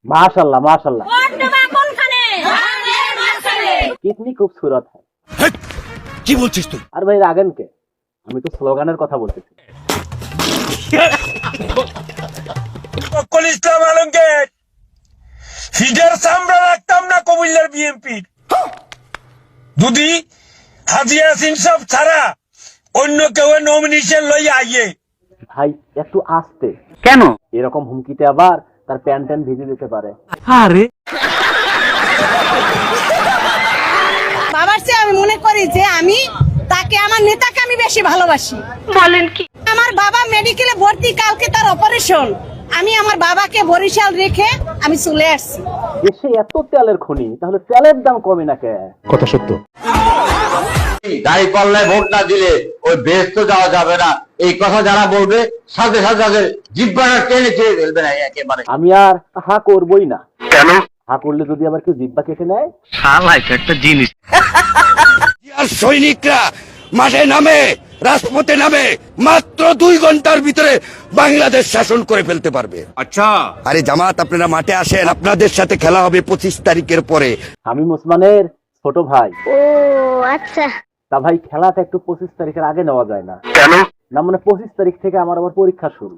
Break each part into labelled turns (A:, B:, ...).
A: माशाल्लाह माशाल्लाह कितनी खूबसूरत है।
B: কি বলছিস তুই?
A: আর ভাই রাগেন কে? আমি তো স্লোগানের কথা বলতেছি।
B: ফখরুল ইসলাম আলমগীর ফিডার সামরা রাখতাম না কুমিল্লার বিএনপির যদি হাজী ইয়াসিন সব ছাড়া অন্য কেউ নমিনেশন লইয়া আইয়ে।
A: ভাই একটু আস্তে।
C: কেন?
A: এরকম হুমকিতে আবার তার প্যান্ট ট্যান্ট ভিজে যেতে পারে।
C: আরে
D: বাবার চেয়ে আমি মনে করি যে আমি তাকে, আমার নেতাকে আমি বেশি ভালোবাসি।
E: বলেন কি?
D: আমার বাবা মেডিকেলে ভর্তি, কালকে তার অপারেশন। আমি আমার বাবাকে বরিশাল রেখে আমি চলে আসছি।
A: দেশে এত তেলের খনি, তাহলে তেলের দাম কমে না কে?
F: কথা সত্য।
G: দাড়ি পাল্লায় ভোট না দিলে ওই বেহেশত যাওয়া যাবে না, এই কথা যারা বলবে সাথে সাথে তাদের জিহ্বাটা টেনে ছেড়ে ফেলবে না একেবারে।
A: আমি আর হা করবই না।
C: কেন?
A: হা করলে যদি আবার কেউ জিহ্বা কেটে নেয়।
C: শালা এটা একটা জিনিস।
B: আর সৈনিকরা মাঠে নামে, রাজপথে নামে, মাত্র 2 ঘন্টার ভিতরে বাংলাদেশ শাসন করে ফেলতে পারবে।
C: আচ্ছা
B: আরে জামাত, আপনারা মাঠে আসেন, আপনাদের সাথে খেলা হবে 25 তারিখের পরে।
A: আমি ওসমানের ছোট ভাই।
E: ও আচ্ছা।
A: তা ভাই খেলাটা একটু 25 তারিখের আগে নেওয়া যায় না?
C: কেন?
A: না মানে 25 তারিখ থেকে আমার আবার পরীক্ষা শুরু।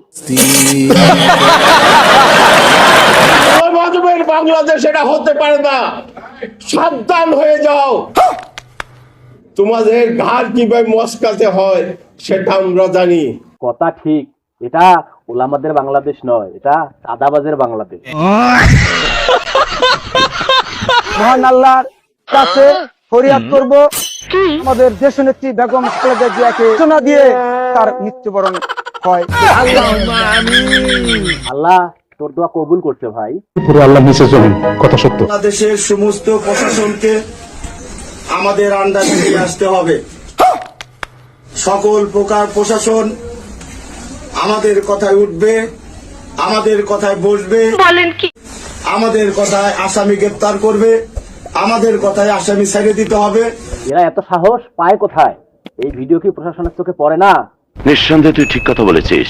H: বাংলাদেশ এটা হতে পারে না, সাবধান হয়ে যাও। তোমাদের ঘাড় কিভাবে মস্কাতে হয় সেটা আমরা জানি।
A: কথা ঠিক, এটা ওলামাদের বাংলাদেশ নয়, এটা চাঁদাবাজের বাংলাদেশ।
I: মহান আল্লাহর কাছে ফরিয়াদ করব আমাদের দেশনেত্রী বেগম খালেদা জিয়াকে সূচনা দিয়ে তার মৃত্যুবরণ হয়।
A: আল্লাহ তোর দোয়া কবুল করছে ভাই।
F: পুরো আল্লাহ নিচে চলুন। কথা সত্য।
H: বাংলাদেশের সমস্ত প্রশাসনকে আমাদের আন্ডারে নিয়ে আসতে হবে। সকল প্রকার প্রশাসন আমাদের কথায় উঠবে, আমাদের কথায় বসবে।
E: বলেন কি?
H: আমাদের কথায় আসামি গ্রেপ্তার করবে, আমাদের কথায় আসামি ছেড়ে দিতে হবে।
A: এরা এত সাহস পায় কোথায়? এই ভিডিও কি প্রশাসনের চোখে পড়ে না?
G: নিঃসন্দেহে তুই ঠিক কথা বলেছিস।